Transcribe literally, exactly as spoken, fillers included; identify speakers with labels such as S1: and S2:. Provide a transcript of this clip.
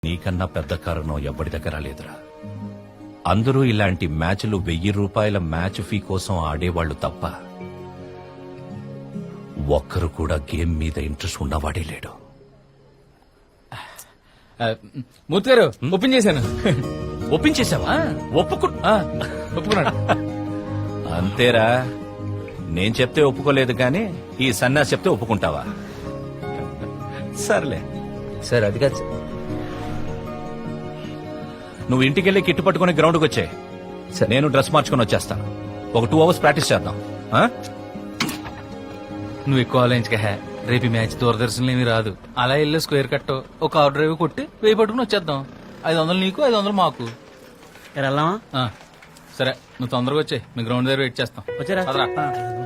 S1: నీకన్నా పెద్ద కారణం ఎవ్వడి దగ్గర లేదురా. అందరూ ఇలాంటి మ్యాచ్లు వెయ్యి రూపాయల మ్యాచ్ ఫీ కోసం ఆడేవాళ్లు తప్ప ఒక్కరు కూడా గేమ్ మీద ఇంట్రెస్ట్ ఉన్నవాడే లేడు.
S2: మూర్తి గారు ఓపెన్ చేశాను.
S1: ఒప్పించేశావా? ఒప్పుకు
S2: ఒప్పుకున్నాడు.
S1: అంతేరా, నేను చెప్తే ఒప్పుకోలేదు కానీ ఈ సన్నాసి చెప్తే ఒప్పుకుంటావా? సర్లే
S3: సార్ అది కాదు సార్.
S1: నువ్వు ఇంటికెళ్ళి కిట్టు పట్టుకుని గ్రౌండ్కి వచ్చే,
S3: సరే.
S1: నేను డ్రెస్ మార్చుకుని వచ్చేస్తాను. ఒక టూ అవర్స్ ప్రాక్టీస్ చేద్దాం. ఆ?
S2: నువ్వు ఎక్కువ ఆలోచించక హే, రేపు ఈ మ్యాచ్ దూరదర్శన్లో ఏమీ రాదు. అలా వెళ్ళి స్క్వేర్ కట్ ఒక ఆర్డర్ డ్రైవ్ కొట్టి వెయ్యి పట్టుకుని వచ్చేద్దాం. ఐదు వందలు నీకు, ఐదు వందలు మాకు.
S3: వెళ్దామా?
S2: ఆ, సరే నువ్వు తొందరగా వచ్చే, మీ గ్రౌండ్ దగ్గర వెయిట్ చేస్తాం.
S3: వచ్చారా?
S2: పదరా.